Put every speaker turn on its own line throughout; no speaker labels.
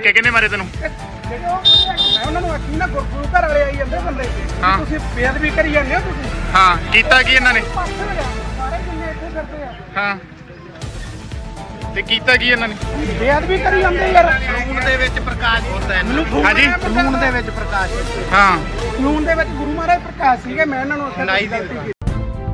ਧੱਕੇ ਕਿਹਨੇ ਮਾਰੇ ਤੈਨੂੰ?
ਮੈਂ ਉਹਨਾਂ ਨੂੰ ਆਖੀ ਨਾ ਗੁਰੂ ਘਰ ਵਾਲੇ ਆਈ ਜਾਂਦੇ ਬੰਦੇ ਤੁਸੀਂ ਬੇਅਦਬੀ ਕਰੀ ਜਾਂਦੇ ਹੋ ਤੁਸੀਂ।
ਹਾਂ ਕੀਤਾ ਕੀ ਇਹਨਾਂ ਨੇ?
ਸਾਰੇ ਜਿੰਨੇ ਇੱਥੇ ਕਰਦੇ ਆ
ਹਾਂ ਤੇ ਕੀਤਾ ਕੀ ਇਹਨਾਂ ਨੇ?
ਬੇਅਦਬੀ ਕਰੀ ਜਾਂਦੇ ਯਾਰ।
ਕਾਨੂੰਨ ਦੇ ਵਿੱਚ ਪ੍ਰਕਾਸ਼ ਹੁੰਦਾ ਹੈ।
ਹਾਂਜੀ
ਕਾਨੂੰਨ ਦੇ ਵਿੱਚ ਪ੍ਰਕਾਸ਼
ਹਾਂ
ਕਾਨੂੰਨ ਦੇ ਵਿੱਚ ਗੁਰੂ ਮਹਾਰਾਜ ਪ੍ਰਕਾਸ਼ ਸੀਗੇ। ਮੈਂ ਇਹਨਾਂ ਨੂੰ ਉੱਥੇ
ਨਹੀਂ ਦੀ
ਗਲਤੀ ਕੀਤੀ।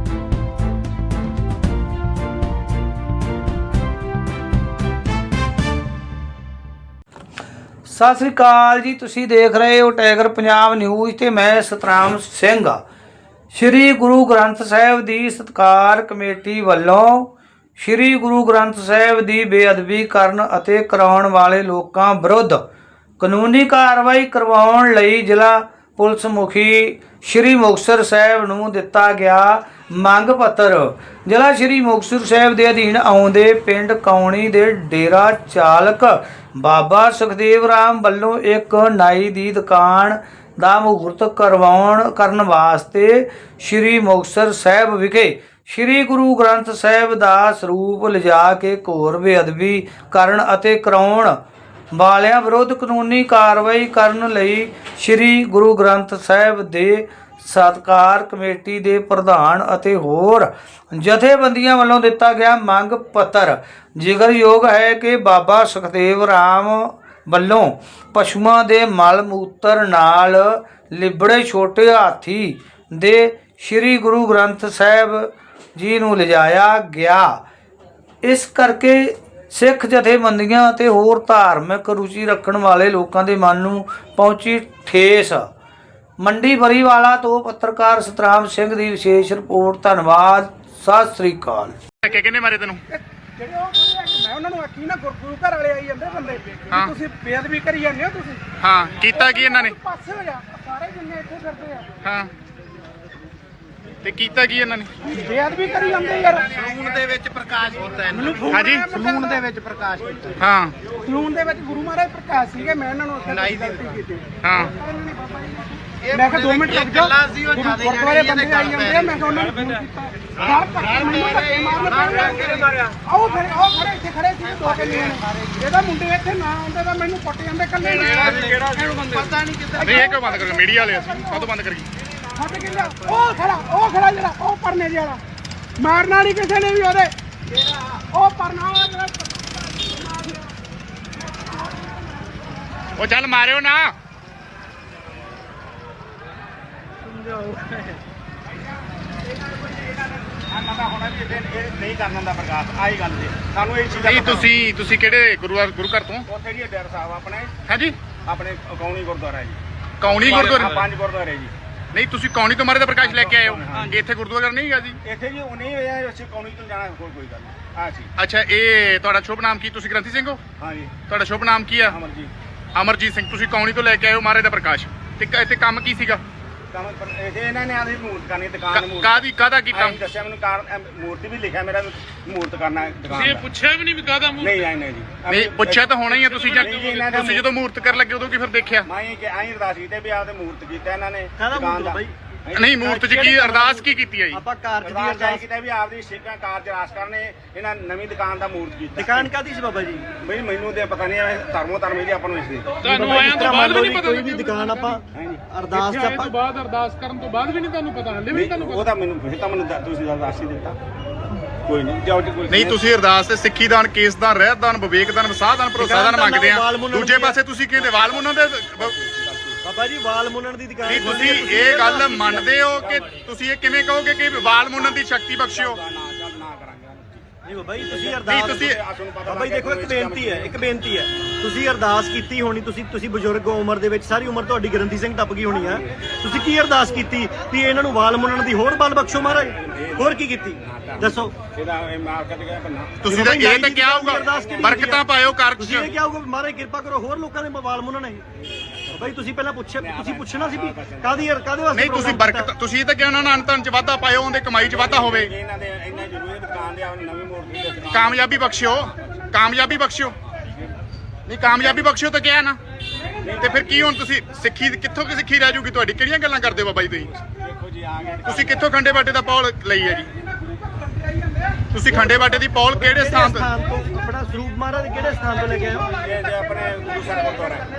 ਸਤਿ ਸ੍ਰੀ ਅਕਾਲ ਜੀ, ਤੁਸੀਂ ਦੇਖ ਰਹੇ ਹੋ ਟਾਈਗਰ ਪੰਜਾਬ ਨਿਊਜ਼ ਤੇ ਮੈਂ ਸਤਨਾਮ ਸਿੰਘ। ਸ੍ਰੀ ਗੁਰੂ ਗ੍ਰੰਥ ਸਾਹਿਬ ਦੀ ਸਤਿਕਾਰ ਕਮੇਟੀ ਵੱਲੋਂ ਸ੍ਰੀ ਗੁਰੂ ਗ੍ਰੰਥ ਸਾਹਿਬ ਦੀ ਬੇਅਦਬੀ ਕਰਨ ਅਤੇ ਕਰਾਉਣ ਵਾਲੇ ਲੋਕਾਂ ਵਿਰੁੱਧ ਕਾਨੂੰਨੀ ਕਾਰਵਾਈ ਕਰਵਾਉਣ ਲਈ ਜ਼ਿਲ੍ਹਾ ਪੁਲਿਸ ਮੁਖੀ ਸ੍ਰੀ ਮੁਕਤਸਰ ਸਾਹਿਬ ਨੂੰ ਦਿੱਤਾ ਗਿਆ ਮੰਗ ਪੱਤਰ। ਜ਼ਿਲ੍ਹਾ ਸ੍ਰੀ ਮੁਕਤਸਰ ਸਾਹਿਬ ਦੇ ਅਧੀਨ ਆਉਂਦੇ ਪਿੰਡ ਕੌਣੀ ਦੇ ਡੇਰਾ ਚਾਲਕ ਬਾਬਾ ਸੁਖਦੇਵ ਰਾਮ ਵੱਲੋਂ ਇੱਕ ਨਾਈ ਦੀ ਦੁਕਾਨ ਦਾ ਮਹੂਰਤ ਕਰਨ ਵਾਸਤੇ ਸ੍ਰੀ ਮੁਕਤਸਰ ਸਾਹਿਬ ਵਿਖੇ ਸ੍ਰੀ ਗੁਰੂ ਗ੍ਰੰਥ ਸਾਹਿਬ ਦਾ ਸਰੂਪ ਲਿਜਾ ਕੇ ਘੋਰ ਬੇਅਦਬੀ ਕਰਨ ਅਤੇ ਕਰਾਉਣ ਵਾਲਿਆਂ ਵਿਰੁੱਧ ਕਾਨੂੰਨੀ ਕਾਰਵਾਈ ਕਰਨ ਲਈ ਸ੍ਰੀ ਗੁਰੂ ਗ੍ਰੰਥ ਸਾਹਿਬ ਦੇ ਸਤਿਕਾਰ ਕਮੇਟੀ ਦੇ ਪ੍ਰਧਾਨ ਅਤੇ ਹੋਰ ਜਥੇਬੰਦੀਆਂ ਵੱਲੋਂ ਦਿੱਤਾ ਗਿਆ ਮੰਗ ਪੱਤਰ। ਜ਼ਿਕਰਯੋਗ ਹੈ ਕਿ ਬਾਬਾ ਸੁਖਦੇਵ ਰਾਮ ਵੱਲੋਂ ਪਸ਼ੂਆਂ ਦੇ ਮਲ ਮੂਤਰ ਨਾਲ ਲਿਬੜੇ ਛੋਟੇ ਹਾਥੀ ਦੇ ਸ੍ਰੀ ਗੁਰੂ ਗ੍ਰੰਥ ਸਾਹਿਬ ਜੀ ਨੂੰ ਲਿਜਾਇਆ ਗਿਆ। ਇਸ ਕਰਕੇ ਸਿੱਖ ਜਥੇਬੰਦੀਆਂ ਅਤੇ ਹੋਰ ਧਾਰਮਿਕ ਰੁਚੀ ਰੱਖਣ ਵਾਲੇ ਲੋਕਾਂ ਦੇ ਮਨ ਨੂੰ ਪਹੁੰਚੀ ਠੇਸ। ਮੰਡੀ ਬਰੀਵਾਲਾ ਤੋਂ ਪੱਤਰਕਾਰ ਸਤਨਾਮ ਸਿੰਘ ਦੀ ਵਿਸ਼ੇਸ਼ ਰਿਪੋਰਟ। ਧੰਨਵਾਦ। ਸਤਿ ਸ੍ਰੀ ਅਕਾਲ।
ਧੱਕੇ ਕਿਹਨੇ ਮਾਰੇ ਤੈਨੂੰ?
ਜਿਹੜੇ ਉਹ ਮੈਂ ਉਹਨਾਂ ਨੂੰ ਆਖੀ ਨਾ ਗੁਰੂ ਘਰ ਵਾਲੇ ਆਈ ਜਾਂਦੇ ਬੰਦੇ ਤੁਸੀਂ ਬੇਅਦਬੀ ਕਰੀ ਜਾਂਦੇ ਹੋ ਤੁਸੀਂ।
ਹਾਂ ਕੀਤਾ ਕੀ ਇਹਨਾਂ ਨੇ?
ਪਾਸੇ ਹੋ ਜਾ। ਸਾਰੇ ਜਿੰਨੇ ਇੱਥੇ ਕਰਦੇ ਆ
ਹਾਂ ਤੇ ਕੀਤਾ ਕੀ ਇਹਨਾਂ ਨੇ?
ਬੇਅਦਬੀ ਕਰੀ ਜਾਂਦੇ ਯਾਰ।
ਕਾਨੂੰਨ ਦੇ ਵਿੱਚ ਪ੍ਰਕਾਸ਼ ਹੁੰਦਾ ਹੈ।
ਹਾਂਜੀ
ਕਾਨੂੰਨ ਦੇ ਵਿੱਚ ਪ੍ਰਕਾਸ਼ ਹੁੰਦਾ ਹੈ।
ਹਾਂ
ਕਾਨੂੰਨ ਦੇ ਵਿੱਚ ਗੁਰੂ ਮਹਾਰਾਜ ਪ੍ਰਕਾਸ਼ ਸੀਗੇ। ਮੈਂ ਇਹਨਾਂ ਨੂੰ ਉੱਥੇ ਗਲਤੀ ਕੀਤੀ।
ਹਾਂ
ਮੈਂ ਕਿਹਾ 2 ਮਿੰਟ ਰੁਕ ਜਾ।
ਗੱਲਾਂ ਸੀ ਉਹ ਜ਼ਿਆਦਾ
ਗੁਰਦੁਆਰੇ ਬੰਦੇ ਆਈ ਜਾਂਦੇ ਆ। ਮੈਂ ਕਿਹਾ ਉਹਨਾਂ ਨੂੰ ਫੋਨ ਕੀਤਾ। ਘਰ ਧੱਕੇ ਮੈਨੂੰ ਧੱਕੇ ਮਾਰਿਆ। ਆਓ ਖੜੇ ਇੱਥੇ ਖੜੇ ਸੀ 2-3 ਜਣੇ। ਇਹਦਾ ਮੁੰਡੇ ਇੱਥੇ ਨਾ ਆਉਂਦੇ ਤਾਂ ਮੈਨੂੰ ਕੁੱਟ ਜਾਂਦੇ ਇਕੱਲੇ ਨੂੰ।
ਪਤਾ ਨਹੀਂ ਕਿੱਦਾਂ
ਨਹੀਂ ਇਹ ਕਿਉਂ ਬੰਦ ਕਰ ਮੀਡੀਆ ਵਾਲੇ ਅਸੀਂ ਕਦੋਂ ਬੰਦ ਕਰੀਏ?
ਹੱਟ ਕੇ ਲਿਆ। ਉਹ ਖੜਾ ਜਿਹੜਾ ਉਹ ਪਰਨੇ ਜਿਹੇ ਵਾਲਾ ਮਾਰਨਾ ਨਹੀਂ ਕਿਸੇ ਨੇ ਵੀ ਉਹਦੇ। ਉਹ ਪਰਨਾ ਵਾਲਾ ਜਿਹੜਾ
ਉਹ ਚੱਲ ਮਾਰਿਓ ਨਾ।
ਨਹੀਂ ਕਰਨਾ ਦਾ ਪ੍ਰਕਾਸ਼ ਆਹੀ ਗੱਲ ਜੀ ਸਾਨੂੰ ਇਹ ਚੀਜ਼
ਨਹੀਂ ਤੁਸੀਂ ਕਿਹੜੇ ਗੁਰੂ ਘਰ ਤੋਂ?
ਉੱਥੇ ਜੀ ਡੇਰਾ ਸਾਹਿਬ ਆਪਣੇ
ਹਾਂਜੀ
ਆਪਣੇ ਕੌਣੀ ਗੁਰਦੁਆਰਾ ਜੀ।
ਕੌਣੀ ਗੁਰਦੁਆਰਾ?
5 ਗੁਰਦੁਆਰੇ ਜੀ।
ਨਹੀਂ ਤੁਸੀਂ ਕੌਣੀ ਤੋਂ ਮਾਰੇ ਦਾ ਪ੍ਰਕਾਸ਼ ਲੈ ਕੇ ਆਏ ਹੋ? ਇੱਥੇ ਗੁਰਦੁਆਰਾ ਨਹੀਂ ਹੈਗਾ ਜੀ?
ਇੱਥੇ ਜੀ ਉਹ ਨਹੀਂ ਹੋਇਆ ਅਸੀਂ ਕੌਣੀ ਤੋਂ ਜਾਣਾ ਕੋਈ ਗੱਲ ਨਹੀਂ। ਹਾਂ ਜੀ।
ਅੱਛਾ ਇਹ ਤੁਹਾਡਾ ਸ਼ੁਭ ਨਾਮ ਕੀ? ਤੁਸੀਂ ਗ੍ਰੰਥੀ ਸਿੰਘ ਹੋ?
ਹਾਂ ਜੀ।
ਤੁਹਾਡਾ ਸ਼ੁਭ ਨਾਮ ਕੀ ਆ? ਅਮਰਜੀਤ ਸਿੰਘ। ਤੁਸੀਂ ਕੌਣੀ ਤੋਂ ਲੈ ਕੇ ਆਏ ਹੋ ਮਹਾਰਾਜ ਦਾ ਪ੍ਰਕਾਸ਼ ਤੇ ਇੱਥੇ ਕੰਮ ਕੀ ਸੀਗਾ?
ਕੰਮ ਇਹ ਇਹਨਾਂ ਨੇ ਆਦੀ ਮੂਰਤ ਕਰਨੀ ਦੁਕਾਨ ਦੀ
ਕਾਹਦਾ ਕੀਤਾ?
ਦੱਸਿਆ ਮੈਨੂੰ ਕਾਰਨ ਮੂਰਤੀ ਵੀ ਲਿਖਿਆ ਮੇਰਾ ਮੂਰਤ ਕਰਨਾ ਦੁਕਾਨ
ਇਹ ਪੁੱਛਿਆ ਵੀ ਨਹੀਂ ਵੀ ਕਾਹਦਾ ਮੂਰਤ?
ਨਹੀਂ ਜੀ।
ਨਹੀਂ ਪੁੱਛਿਆ ਤਾਂ ਹੋਣਾ ਹੀ ਆ। ਤੁਸੀਂ ਜਦੋਂ ਮੂਰਤ ਕਰਨ ਲੱਗੇ ਉਦੋਂ ਕੀ ਫਿਰ ਦੇਖਿਆ?
ਮੈਂ ਕਿ ਆਈ ਅਰਦਾਸ ਕੀਤੀ ਵੀ ਆਪਦੇ ਮੂਰਤ ਕੀਤਾ ਇਹਨਾਂ ਨੇ ਦੁਕਾਨ ਦਾ।
ਨਹੀਂ ਮੂਰਤ 'ਚ ਕੀ ਅਰਦਾਸ ਕੀ ਕੀਤੀ ਹੈ ਜੀ?
ਆਪਾਂ ਕਾਰਜ ਦੀ ਅਰਦਾਸ ਕੀਤੀ ਵੀ ਆਪਦੀ ਸਿੱਖਾਂ ਕਾਰਜ ਰਾਸ ਕਰਨੇ ਇਹਨਾਂ ਨਵੀਂ ਦੁਕਾਨ ਦਾ ਮੂਰਤ ਕੀਤਾ।
ਦੁਕਾਨ ਕਾਦੀ ਸੀ ਬਾਬਾ ਜੀ?
ਬਈ ਮੈਨੂੰ ਤੇ ਪਤਾ ਨਹੀਂ ਧਰਮ ਇਹਦੀ ਆਪਾਂ ਨੂੰ ਇਸ ਦੀ
ਤੁਹਾਨੂੰ ਆਇਆ ਤੋਂ ਬਾਅਦ ਵੀ ਨਹੀਂ ਪਤਾ?
ਕੋਈ ਵੀ ਦੁਕਾਨ ਆਪਾਂ ਅਰਦਾਸ ਚ ਆਪਾਂ
ਬਾਅਦ ਅਰਦਾਸ ਕਰਨ ਤੋਂ ਬਾਅਦ ਵੀ ਨਹੀਂ ਤੁਹਾਨੂੰ ਪਤਾ? ਹਲੇ ਵੀ ਨਹੀਂ ਤੁਹਾਨੂੰ
ਉਹ ਤਾਂ ਮੈਨੂੰ ਫਿਰ ਤਾਂ ਮੈਨੂੰ ਤੁਸੀਂ ਅਰਦਾਸ ਹੀ ਦਿੱਤਾ। ਕੋਈ ਨਹੀਂ ਜਾਓ ਜੀ ਕੋਈ
ਨਹੀਂ ਤੁਸੀਂ ਅਰਦਾਸ ਤੇ ਸਿੱਖੀ ਦਾਨ, ਕੇਸ ਦਾਨ, ਰਹਿਤ ਦਾਨ, ਵਿਵੇਕ ਦਾਨ, ਵਿਸਾਹ ਦਾਨ, ਭਰੋਸਾ ਦਾਨ ਮੰਗਦੇ ਆ। ਦੂਜੇ ਪਾਸੇ ਤੁਸੀਂ ਕਹਿੰਦੇ ਵਾਲ ਮੁੰਨਣ ਦੇ
ਬਾਬਾ ਜੀ ਵਾਲ ਮੁੰਨਣ ਦੀ ਦੁਕਾਨ।
ਨਹੀਂ ਤੁਸੀਂ ਇਹ ਗੱਲ ਮੰਨਦੇ ਹੋ ਕਿ ਤੁਸੀਂ ਇਹ ਕਿਵੇਂ ਕਹੋਗੇ ਕਿ ਵਾਲ ਮੁੰਨਣ ਦੀ ਸ਼ਕਤੀ ਬਖਸ਼ਿਓ?
ਨਹੀਂ ਬਾਬਾ ਜੀ ਤੁਸੀਂ ਅਰਦਾਸ ਬਾਬਾ ਜੀ ਦੇਖੋ ਇੱਕ ਬੇਨਤੀ ਹੈ ਤੁਸੀਂ ਅਰਦਾਸ ਕੀਤੀ ਹੋਣੀ। ਤੁਸੀਂ ਬਜ਼ੁਰਗ ਹੋ ਉਮਰ ਦੇ ਵਿੱਚ, ਸਾਰੀ ਉਮਰ ਤੁਹਾਡੀ ਗ੍ਰੰਥੀ ਸਿੰਘ ਟੱਪ ਗਈ ਹੋਣੀ ਆ। ਤੁਸੀਂ ਕੀ ਅਰਦਾਸ ਕੀਤੀ ਵੀ ਇਹਨਾਂ ਨੂੰ ਵਾਲ ਮੁੰਨਣ ਦੀ ਹੋਰ ਬਲ ਬਖਸ਼ੋ ਮਹਾਰਾਜ? ਹੋਰ ਕੀ ਕੀਤੀ ਦੱਸੋ?
ਤੁਸੀਂ ਤਾਂ ਇਹ ਤਾਂ ਕਿਹਾ ਹੋਊਗਾ ਬਰਕਤਾਂ ਪਾਇਓ ਕਾਰਜ 'ਚ।
ਤੁਸੀਂ ਇਹ ਕਿਹਾ ਹੋਊਗਾ ਮਹਾਰਾਜ ਕਿਰਪਾ ਕਰੋ ਹੋਰ ਲੋਕਾਂ ਦੇ ਵਾਲ ਮੁੰਨਣ। ਬਾਬਾ ਜੀ ਤੁਸੀਂ ਪਹਿਲਾਂ ਪੁੱਛਣਾ ਸੀ ਵੀ ਕਾਦੇ ਵਾਸਤੇ
ਨਹੀਂ ਤੁਸੀਂ ਬਰਕਤ ਤੁਸੀਂ ਇਹ ਤਾਂ ਕਿਹਾ ਉਹਨਾਂ ਨੂੰ ਅੰਤਨ 'ਚ ਵਾਧਾ ਪਾਇਓ, ਉਹਦੇ ਕਮਾਈ 'ਚ ਵਾਧਾ ਹੋਵੇ।
ਇਹਨਾਂ ਦੇ ਇੰਨਾ ਜ਼ਰੂਰੀ ਦੁਕਾਨ ਦੇ ਨਵੀਂ ਮੂਰਤੀ
ਕਾਮਯਾਬੀ ਬਖਸ਼ਿਓ। ਨਹੀਂ ਕਾਮਯਾਬੀ ਬਖਸ਼ਿਓ ਤਾਂ ਕਿਹਾ ਨਾ। ਤੇ ਫਿਰ ਕੀ ਹੁਣ ਤੁਸੀਂ ਸਿੱਖੀ ਕਿੱਥੋਂ ਸਿੱਖੀ ਰਹਿ ਜੂਗੀ ਤੁਹਾਡੀ? ਕਿਹੜੀਆਂ ਗੱਲਾਂ ਕਰਦੇ ਹੋ ਬਾਬਾ ਜੀ ਤੁਸੀਂ?
ਦੇਖੋ ਜੀ ਆ ਗਏ
ਤੁਸੀਂ ਕਿੱਥੋਂ ਖੰਡੇ ਬਾਟੇ ਦਾ ਪੌਲ ਲਈ ਹੈ ਜੀ? ਤੁਸੀਂ ਖੰਡੇ ਬਾਟੇ ਦੀ ਪੌਲ ਕਿਹੜੇ ਸਥਾਨ ਤੋਂ?
ਆਪਣਾ ਸਰੂਪ ਮਹਾਰਾਜ ਕਿਹੜੇ ਸਥਾਨ ਤੋਂ ਲੈ ਕੇ ਆਏ ਹੋ?
ਇਹ ਜੇ ਆਪਣੇ ਗੁਰੂ ਸਾਹਿਬ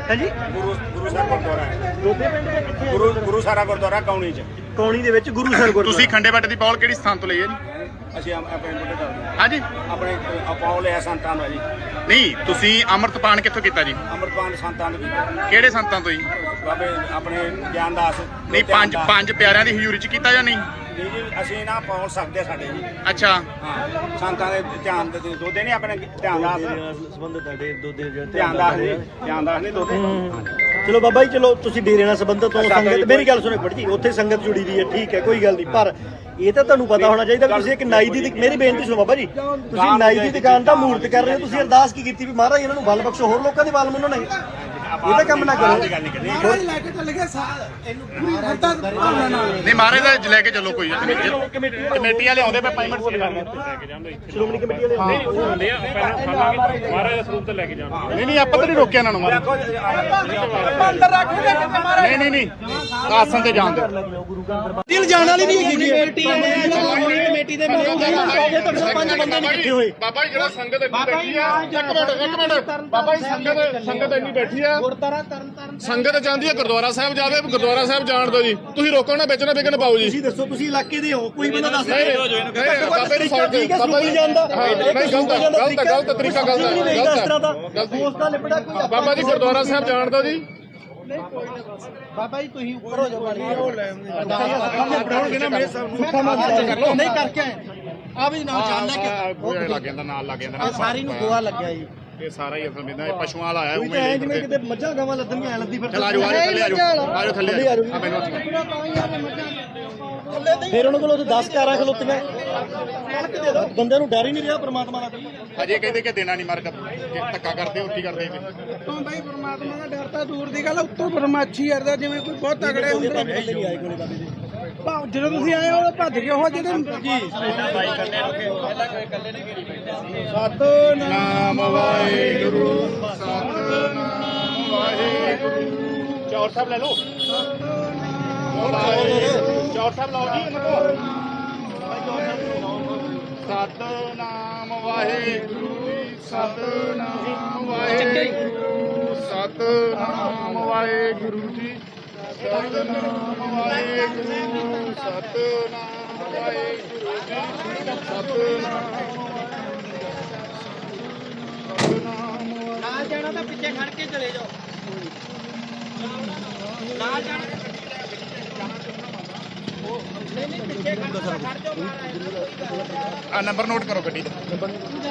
ਹਾਂਜੀ
ਗੁਰੂ ਸਾਹਿਬ ਗੁਰਦੁਆਰਾ ਹੈ।
ਦੋਦੇ ਪਿੰਡ ਦੇ ਕਿੱਥੇ
ਗੁਰੂ ਸਾਰਾ ਗੁਰਦੁਆਰਾ ਕੌਣੀ ਚ
ਕੌਣੀ ਦੇ ਵਿੱਚ ਗੁਰੂ ਸਰ ਗੁਰਦੁਆਰਾ।
ਤੁਸੀਂ ਖੰਡੇ ਬੱਟ ਦੀ ਪੌਲ ਕਿਹੜੀ ਸਥਾਨ ਤੋਂ ਲਈ ਹੈ ਜੀ?
ਅਸੀਂ ਆਪਣੇ ਬੁੱਢੇ ਦਾ
ਹਾਂਜੀ
ਆਪਣੇ ਅਪਾਉ ਲਿਆ ਸੰਤਾਂ ਦਾ ਜੀ।
ਨਹੀਂ, ਤੁਸੀਂ ਅੰਮ੍ਰਿਤਪਾਨ ਕਿੱਥੋਂ ਕੀਤਾ ਜੀ?
ਅੰਮ੍ਰਿਤਪਾਨ ਸੰਤਾਂ ਦਾ ਕੀਤਾ।
ਕਿਹੜੇ ਸੰਤਾਂ ਤੋਂ ਜੀ?
ਬਾਬੇ ਆਪਣੇ ਗਿਆਨਦਾਸ
ਨਹੀਂ, ਪੰਜ ਪਿਆਰਿਆਂ ਦੀ ਹਜ਼ੂਰੀ ਚ ਕੀਤਾ ਜਾਂ ਨਹੀਂ?
ਨਹੀਂ ਜੀ, ਅਸੀਂ ਨਾ ਪਹੁੰਚ ਸਕਦੇ ਸਾਡੇ ਜੀ।
ਅੱਛਾ,
ਹਾਂ, ਸੰਤਾਂ ਦੇ ਧਿਆਨ ਦੇ ਦੋਦੇ ਨਹੀਂ ਆਪਣੇ ਧਿਆਨਦਾਸ
ਸੰਬੰਧਿਤ ਤੁਹਾਡੇ ਦੋਦੇ ਜਿਹੜੇ
ਧਿਆਨਦਾਸ ਜੀ, ਧਿਆਨਦਾਸ ਨਹੀਂ ਦੋਦੇ।
ਚਲੋ ਬਾਬਾ ਜੀ, ਚਲੋ ਤੁਸੀਂ ਡੇਰੇ ਨਾਲ ਸੰਬੰਧਿਤ ਹੋ, ਸੰਗਤ ਮੇਰੀ ਗੱਲ ਸੁਣੋ ਬੜੀ ਜੀ, ਉੱਥੇ ਸੰਗਤ ਜੁੜੀ ਦੀ ਹੈ, ਠੀਕ ਹੈ, ਕੋਈ ਗੱਲ ਨਹੀਂ, ਪਰ ਇਹ ਤਾਂ ਤੁਹਾਨੂੰ ਪਤਾ ਹੋਣਾ ਚਾਹੀਦਾ ਵੀ ਤੁਸੀਂ ਇੱਕ ਨਾਈ ਦੀ ਮੇਰੀ ਬੇਨਤੀ ਸੁਣੋ ਬਾਬਾ ਜੀ, ਤੁਸੀਂ ਨਾਈ ਦੀ ਦੁਕਾਨ ਦਾ ਮੂਰਤ ਕਰ ਰਹੇ ਹੋ, ਤੁਸੀਂ ਅਰਦਾਸ ਕੀ ਕੀਤੀ ਵੀ ਮਹਾਰਾਜ ਇਹਨਾਂ ਨੂੰ ਬਲ ਬਖਸ਼ੋ, ਹੋਰ ਲੋਕਾਂ ਦੇ ਬਲ ਮੁੰਨੋ ਨਹੀਂ, ਇਹ ਤਾਂ ਕੰਮ ਨਾ ਕਰੋ।
ਮਹਾਰਾਜ ਲੈ ਕੇ ਚੱਲ ਗਏ ਇਹਨੂੰ ਪੂਰੀ ਹੱਦਾਂ ਭਾਵਨਾ ਨਾਲ।
ਨਹੀਂ ਮਹਾਰਾਜ ਦਾ ਲੈ ਕੇ ਚੱਲੋ, ਕੋਈ ਗੱਲ ਨਹੀਂ। ਕਮੇਟੀ ਵਾਲੇ ਆਉਂਦੇ ਪਏ ਪੇਮੈਂਟ ਲੈ ਕੇ ਜਾਂਦੇ।
ਸ਼੍ਰੋਮਣੀ ਕਮੇਟੀ ਵਾਲੇ
ਹੁੰਦੇ ਆ, ਪਹਿਲਾਂ ਖਾਵਾਂਗੇ ਮਹਾਰਾਜ ਦਾ ਸਰੂਪ ਤੇ ਲੈ ਕੇ ਜਾਣਾ।
ਨਹੀਂ ਨਹੀਂ, ਆਪਾਂ ਤਾਂ ਨਹੀਂ ਰੋਕਿਆ ਇਹਨਾਂ ਨੂੰ ਮਹਾਰਾਜ।
ਆਪਾਂ ਅੰਦਰ ਰੱਖੋਗੇ ਕਿਤੇ ਮਹਾਰਾਜ
ਨਹੀਂ ਨਹੀਂ ਨਹੀਂ, ਆਸਨ ਤੇ ਜਾਣ ਦਿਓ।
ਦਿਲ ਜਾਣ ਵਾਲੀ ਨਹੀਂ ਹੈਗੀ ਕਮੇਟੀ ਕਮੇਟੀ ਦੇ ਮੇਰੇ ਤੁਹਾਡੇ ਪੰਜ ਬੰਦੇ ਨਹੀਂ ਇਕੱਠੇ ਹੋਏ।
ਬਾਬਾ ਜੀ ਜਿਹੜਾ ਸੰਗਤ ਇੰਨੀ ਬੈਠੀ ਆ, ਇੱਕ ਮਿੰਟ ਬਾਬਾ ਜੀ, ਸੰਗਤ ਇੰਨੀ ਬੈਠੀ ਆ,
ਗੁਰਦਾਰਾ ਤਰਨ
ਸੰਗਤ ਜਾਂਦੀ ਆ ਗੁਰਦੁਆਰਾ ਸਾਹਿਬ ਜਾਵੇ, ਗੁਰਦੁਆਰਾ ਸਾਹਿਬ ਜਾਣ ਦਿਓ ਜੀ। ਤੁਸੀਂ ਰੋਕੋ ਨਾ, ਵੇਚਣਾ ਵਿਕਣ ਪਾਓ ਜੀ।
ਤੁਸੀਂ ਦੱਸੋ, ਤੁਸੀਂ ਇਲਾਕੇ ਦੇ ਹੋ, ਕੋਈ ਬੰਦਾ ਦੱਸ
ਬਾਬੇ ਨੂੰ ਫੜ ਕੇ
ਬਾਬਾ ਜੀ ਜਾਂਦਾ
ਨਹੀਂ, ਗਲਤ ਤਰੀਕਾ ਗਲਤ ਹੈ।
ਦੋਸਤ ਦਾ ਲਿਬੜਾ ਕੋਈ
ਬਾਬਾ ਜੀ ਗੁਰਦੁਆਰਾ ਸਾਹਿਬ ਜਾਣ ਦਿਓ ਜੀ।
ਬਾਬਾ ਜੀ ਤੁਸੀਂ ਉੱਪਰ ਹੋ ਜਾਓ ਪਾਣੀ
ਬਣਾਉਣਗੇ ਨਾ ਮੇਰੇ ਸਾਹਿਬ ਨਹੀਂ ਕਰਕੇ ਆ ਵੀ ਨਾਲ ਜਾਣ ਲੈ ਕੇ
ਗੋਇਆ ਲੱਗ ਜਾਂਦਾ, ਨਾਲ ਲੱਗ ਜਾਂਦਾ।
ਸਾਰੀ ਨੂੰ ਗੋਆ ਲੱਗਿਆ ਜੀ।
ਇਹ ਸਾਰਾ ਹੀ ਅਸਲ ਵਿੱਚ ਪਸ਼ੂਆਂ ਵਾਲਾ ਆਇਆ
ਕੋਈ ਤਾਂ ਐ ਜਿਵੇਂ ਕਿਤੇ ਮੱਝਾਂ ਗਾਵਾਂ ਲੱਦਣੀਆਂ ਐ ਲੱਦੀ ਫਿਰ
ਚਲ ਆਜੋ ਆਜੋ ਥੱਲੇ ਆਜੋ ਥੱਲੇ ਆਜੋ ਆ ਮੈਨੂੰ
ਫਿਰ ਉਹਨਾਂ ਕੋਲ 10 ਕਾਰਾਂ ਖਲੋਤੀਆਂ ਬੰਦਿਆਂ ਨੂੰ ਡਰ ਹੀ ਨਹੀਂ ਰਿਹਾ ਪ੍ਰਮਾਤਮਾ ਦਾ।
ਅਜੇ ਕਹਿੰਦੇ ਕਿ ਦੇਣਾ ਨਹੀਂ ਮਾਰ ਧੱਕਾ ਕਰਦੇ ਹੋ, ਕੀ ਕਰਦੇ ਜੀ?
ਉੱਤੋਂ ਬਾਈ ਪਰਮਾਤਮਾ ਦਾ ਡਰ ਤਾਂ ਦੂਰ ਦੀ ਗੱਲ, ਉੱਤੋਂ ਪਰਮਾਛੀ ਕਰਦਾ ਜਿਵੇਂ ਕੋਈ ਬਹੁਤ ਤਗੜੇ ਹੁੰਦੇ
ਨਹੀਂ ਆਏ ਕੋਲੇ ਬਾਬੇ ਜੀ।
ਜਦੋਂ ਤੁਸੀਂ ਆਏ ਹੋ ਭੱਜ ਗਏ ਉਹ ਜਿਹੜੇ ਜੀ
ਸਤਨਾਮ ਵਾਹਿਗੁਰੂ ਸਤਨਾਮ ਵਾਹਿਗੁਰੂ। ਚੌਰ ਸਾਹਿਬ ਲੈ ਲਓ, ਚੌਰ ਸਾਹਿਬ ਲਾਓ ਜੀ ਇਹਨਾਂ ਕੋਲ। ਸਤਨਾਮ ਵਾਹਿਗੁਰੂ ਸਤਨਾਮ ਵਾਹਿਗੁਰੂ ਸਤਨਾਮ ਵਾਹਿਗੁਰੂ ਜੀ ਸਤਨਾਮ ਵਾਹਿਗੁਰੂ ਸਤਨਾਮ ਵਾਹਿਗੁਰੂ ਜੀ ਸਤਨਾਮ।
ਨਾਲ ਜਾਣਾ ਤਾਂ ਪਿੱਛੇ ਖੜ ਕੇ ਚਲੇ ਜਾਓ, ਨਾਲ ਜਾਣਾ ਨਹੀਂ ਪਿੱਛੇ ਖੜ ਜਾਓ ਮਹਾਰਾਜ।
ਆ ਨੰਬਰ ਨੋਟ ਕਰੋ ਗੱਡੀ ਦਾ।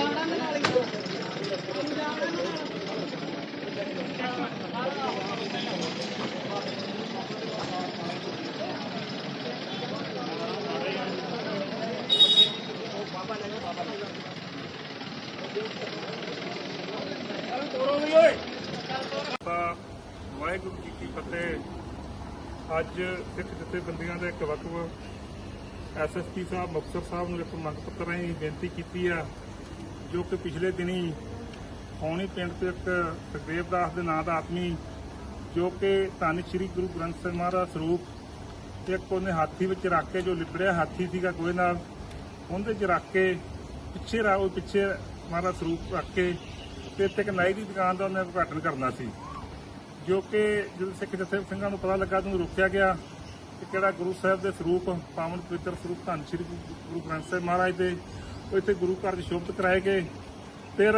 ਵਾਹਿਗੁਰੂ ਜੀ ਕੀ ਫਤਿਹ। ਅੱਜ ਸਿੱਖ ਜਥੇਬੰਦੀਆਂ ਦੇ ਇੱਕ ਵਕਤ ਐਸਐਸਪੀ ਸਾਹਿਬ ਮੁਕਤਸਰ ਸਾਹਿਬ ਨੂੰ ਇੱਕ ਮੰਗ ਪੱਤਰ ਰਾਹੀਂ ਬੇਨਤੀ ਕੀਤੀ ਆ, ਜੋ ਕਿ ਪਿਛਲੇ ਦਿਨੀ ਖੌਣੀ ਪਿੰਡ ਤੋਂ ਇੱਕ ਸੁਖਦੇਵ ਦਾਸ ਦੇ ਨਾਂ ਦਾ ਆਦਮੀ, ਜੋ ਕਿ ਧੰਨ ਸ਼੍ਰੀ ਗੁਰੂ ਗ੍ਰੰਥ ਸਾਹਿਬ ਮਹਾਰਾਜ ਸਰੂਪ ਇੱਕ ਉਹਨੇ ਹਾਥੀ ਵਿੱਚ ਰੱਖ ਕੇ, ਜੋ ਲਿਬੜਿਆ ਹਾਥੀ ਸੀਗਾ ਗੋਹੇ ਨਾਲ, ਉਹਦੇ 'ਚ ਰੱਖ ਕੇ ਪਿੱਛੇ ਮਹਾਰਾਜ ਸਰੂਪ ਰੱਖ ਕੇ ਤੇ ਇੱਥੇ ਇੱਕ ਨਾਈ ਦੀ ਦੁਕਾਨ ਦਾ ਉਹਨੇ ਉਦਘਾਟਨ ਕਰਨਾ ਸੀ, ਜੋ ਕਿ ਜਦੋਂ ਸਿੱਖ ਜਥੇ ਸਿੰਘਾਂ ਨੂੰ ਪਤਾ ਲੱਗਾ ਤਾਂ ਰੋਕਿਆ ਗਿਆ ਕਿ ਕਿਹੜਾ ਗੁਰੂ ਸਾਹਿਬ ਦੇ ਸਰੂਪ, ਪਾਵਨ ਪਵਿੱਤਰ ਸਰੂਪ ਧੰਨ ਸ਼੍ਰੀ ਗੁਰੂ ਗ੍ਰੰਥ ਸਾਹਿਬ ਮਹਾਰਾਜ ਦੇ ਉਹ ਇੱਥੇ ਗੁਰੂ ਘਰ 'ਚ ਸ਼ੋਭਤ ਕਰਾਏ ਗਏ। ਫਿਰ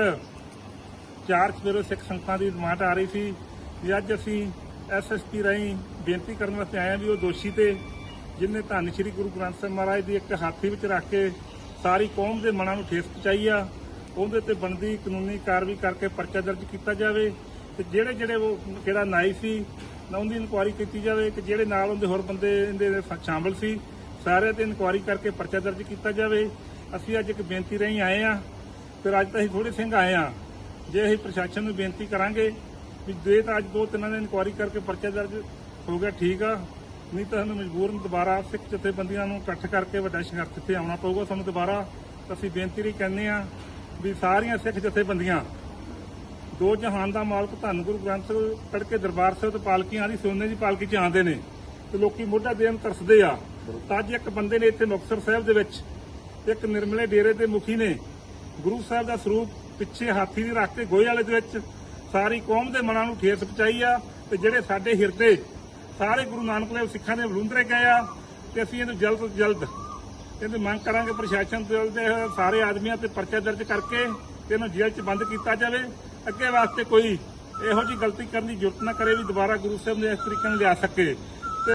4 ਸਵੇਰੇ ਸਿੱਖ ਸੰਗਤਾਂ ਦੀ ਡਿਮਾਂਡ ਆ ਰਹੀ ਸੀ ਵੀ ਅੱਜ ਅਸੀਂ ਐਸਐਸਪੀ ਰਾਹੀਂ ਬੇਨਤੀ ਕਰਨ ਵਾਸਤੇ ਆਏ ਹਾਂ ਵੀ ਉਹ ਦੋਸ਼ੀ ਤੇ ਜਿਹਨੇ ਧੰਨ ਸ਼੍ਰੀ ਗੁਰੂ ਗ੍ਰੰਥ ਸਾਹਿਬ ਮਹਾਰਾਜ ਦੀ ਇੱਕ ਹਾਥੀ ਵਿੱਚ ਰੱਖ ਕੇ ਸਾਰੀ ਕੌਮ ਦੇ ਮਨਾਂ ਨੂੰ ਠੇਸ ਪਹੁੰਚਾਈ ਆ, ਉਹਦੇ ਤੇ ਬਣਦੀ ਕਾਨੂੰਨੀ ਕਾਰਵਾਈ ਕਰਕੇ ਪਰਚਾ ਦਰਜ ਕੀਤਾ ਜਾਵੇ ਤੇ ਜਿਹੜੇ ਉਹ ਕਿਹੜਾ ਨਾਈ ਸੀ ਨਾ ਉਹਦੀ ਇਨਕੁਆਇਰੀ ਕੀਤੀ ਜਾਵੇ ਕਿ ਜਿਹੜੇ ਨਾਲ ਉਹਦੇ ਹੋਰ ਬੰਦੇ ਇਹਦੇ ਸ਼ਾਮਲ ਸੀ ਸਾਰੇ ਤੇ ਇਨਕੁਆਇਰੀ ਕਰਕੇ ਪਰਚਾ ਦਰਜ ਕੀਤਾ ਜਾਵੇ। ਅਸੀਂ ਅੱਜ ਇੱਕ ਬੇਨਤੀ ਰਾਹੀਂ ਆਏ ਆ, ਫਿਰ ਅੱਜ ਤਾਂ ਅਸੀਂ ਥੋੜੇ ਸਿੰਘ ਆਏ ਆ, ਜੇ ਅਸੀਂ ਪ੍ਰਸ਼ਾਸਨ ਨੂੰ ਬੇਨਤੀ ਕਰਾਂਗੇ ਵੀ ਜੇ ਤਾਂ ਅੱਜ 2-3 ਦਿਨ ਇਨਕੁਆਇਰੀ ਕਰਕੇ ਪਰਚਾ ਦਰਜ ਹੋ ਗਿਆ ਠੀਕ ਆ, ਨਹੀਂ ਤਾਂ ਸਾਨੂੰ ਮਜਬੂਰਨ ਦੁਬਾਰਾ ਸਿੱਖ ਜਥੇਬੰਦੀਆਂ ਨੂੰ ਇਕੱਠ ਕਰਕੇ ਵੱਡਾ ਸੰਘਰਸ਼ ਇੱਥੇ ਆਉਣਾ ਪਊਗਾ ਸਾਨੂੰ ਦੁਬਾਰਾ। ਅਸੀਂ ਬੇਨਤੀ ਲਈ ਕਹਿੰਦੇ ਆ ਵੀ ਸਾਰੀਆਂ ਸਿੱਖ ਜਥੇਬੰਦੀਆਂ ਦੋ ਜਹਾਨ ਦਾ ਮਾਲਕ ਧੰਨ ਗੁਰੂ ਗ੍ਰੰਥ ਸਾਹਿਬ ਤੜਕੇ ਦਰਬਾਰ ਸਾਹਿਬ ਤੇ ਪਾਲਕੀਆਂ ਦੀ ਸੋਨੇ ਦੀ ਪਾਲਕੀ 'ਚ ਆਉਂਦੇ ਨੇ ਤੇ ਲੋਕੀ ਮੋਢਾ ਦੇਣ ਤਰਸਦੇ ਆ। ਤਾਂ ਅੱਜ ਇੱਕ ਬੰਦੇ ਨੇ ਇੱਥੇ ਮੁਕਤਸਰ ਸਾਹਿਬ ਦੇ ਵਿੱਚ ਇੱਕ ਨਿਰਮਲੇ ਡੇਰੇ ਦੇ ਮੁਖੀ ਨੇ ਗੁਰੂ ਸਾਹਿਬ ਦਾ ਸਰੂਪ ਪਿੱਛੇ ਹਾਥੀ ਦੀ ਰੱਖ ਕੇ ਗੋਹੇ ਵਾਲੇ ਦੇ ਵਿੱਚ ਸਾਰੀ ਕੌਮ ਦੇ ਮਨਾਂ ਨੂੰ ਠੇਸ ਪਹੁੰਚਾਈ ਆ ਤੇ ਜਿਹੜੇ ਸਾਡੇ ਹਿਰਦੇ ਸਾਰੇ ਗੁਰੂ ਨਾਨਕ ਦੇਵ ਸਿੱਖਾਂ ਦੇ ਵਲੂੰਦਰੇ ਗਏ ਆ ਤੇ ਅਸੀਂ ਇਹਨੂੰ ਜਲਦ ਤੋਂ ਜਲਦ ਇਹਦੀ ਮੰਗ ਕਰਾਂਗੇ ਪ੍ਰਸ਼ਾਸਨ ਦੇ ਸਾਰੇ ਆਦਮੀਆਂ ਤੇ ਪਰਚਾ ਦਰਜ ਕਰਕੇ ਤੇ ਇਹਨੂੰ ਜੇਲ੍ਹ 'ਚ ਬੰਦ ਕੀਤਾ ਜਾਵੇ। ਅੱਗੇ ਵਾਸਤੇ ਕੋਈ ਇਹੋ ਜਿਹੀ ਗਲਤੀ ਕਰਨ ਦੀ ਜ਼ਰੂਰਤ ਨਾ ਕਰੇ ਵੀ ਦੁਬਾਰਾ ਗੁਰੂ ਸਾਹਿਬ ਨੇ ਇਸ ਤਰੀਕੇ ਨਾਲ ਲਿਆ ਸਕੇ।